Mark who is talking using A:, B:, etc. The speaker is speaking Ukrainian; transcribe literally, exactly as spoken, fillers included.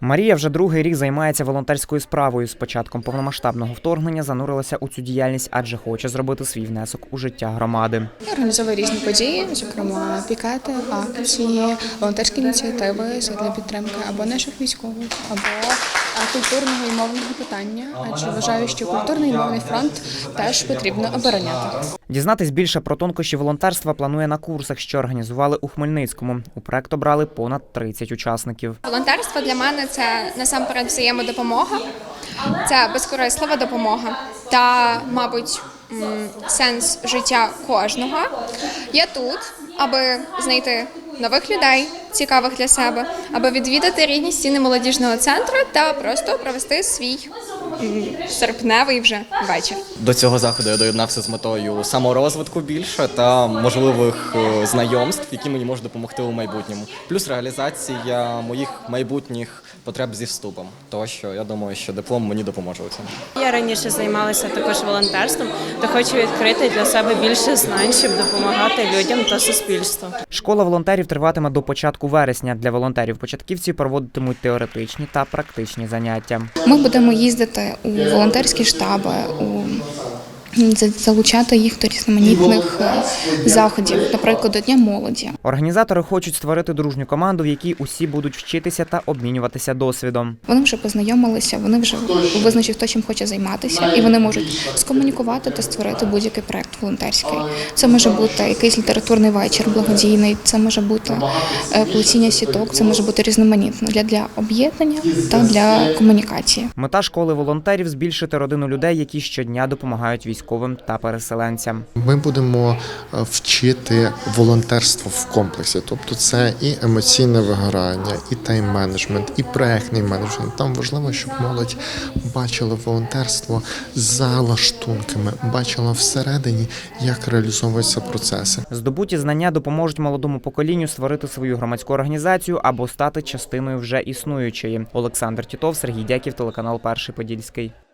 A: Марія вже другий рік займається волонтерською справою. З початком повномасштабного вторгнення занурилася у цю діяльність, адже хоче зробити свій внесок у життя громади.
B: Я організовую різні події, зокрема пікети, акції, волонтерські ініціативи для підтримки або наших військових, або культурного і мовного питання, адже вважаю, що культурний і мовний фронт теж потрібно обороняти.
A: Дізнатись більше про тонкощі волонтерства планує на курсах, що організували у Хмельницькому. У проект обрали понад тридцять учасників.
C: Волонтерство для мене – це насамперед взаємодопомога, це безкорислива допомога та, мабуть, сенс життя кожного. Я тут, аби знайти нових людей, цікавих для себе, аби відвідати рідні стіни молодіжного центру та просто провести свій серпневий вже вечір.
D: До цього заходу я доєднався з метою саморозвитку більше та можливих знайомств, які мені можуть допомогти у майбутньому. Плюс реалізація моїх майбутніх потреб зі вступом. Тому що я думаю, що диплом мені допоможе у цьому.
E: Я раніше займалася також волонтерством, та хочу відкрити для себе більше знань, щоб допомагати людям та суспільству.
A: Школа волонтерів триватиме до початку вересня. Для волонтерів-початківців проводитимуть теоретичні та практичні заняття.
B: Ми будемо їздити у волонтерські штаби, у залучати їх до різноманітних заходів, наприклад, до Дня молоді.
A: Організатори хочуть створити дружню команду, в якій усі будуть вчитися та обмінюватися досвідом.
B: Вони вже познайомилися, вони вже визначили, хто чим хоче займатися, і вони можуть скомунікувати та створити будь-який проект волонтерський. Це може бути якийсь літературний вечір, благодійний, це може бути плетіння сіток, це може бути різноманітно для, для об'єднання та для комунікації.
A: Мета школи волонтерів – збільшити родину людей, які щодня допомагають військовим та переселенцям.
F: Ми будемо вчити волонтерство в комплексі, тобто це і емоційне вигорання, і тайм-менеджмент, і проектний менеджмент. Там важливо, щоб молодь бачила волонтерство за лаштунками, бачила всередині, як реалізовуються процеси.
A: Здобуті знання допоможуть молодому поколінню створити свою громадську організацію або стати частиною вже існуючої. Олександр Тітов, Сергій Дяків, телеканал Перший Подільський.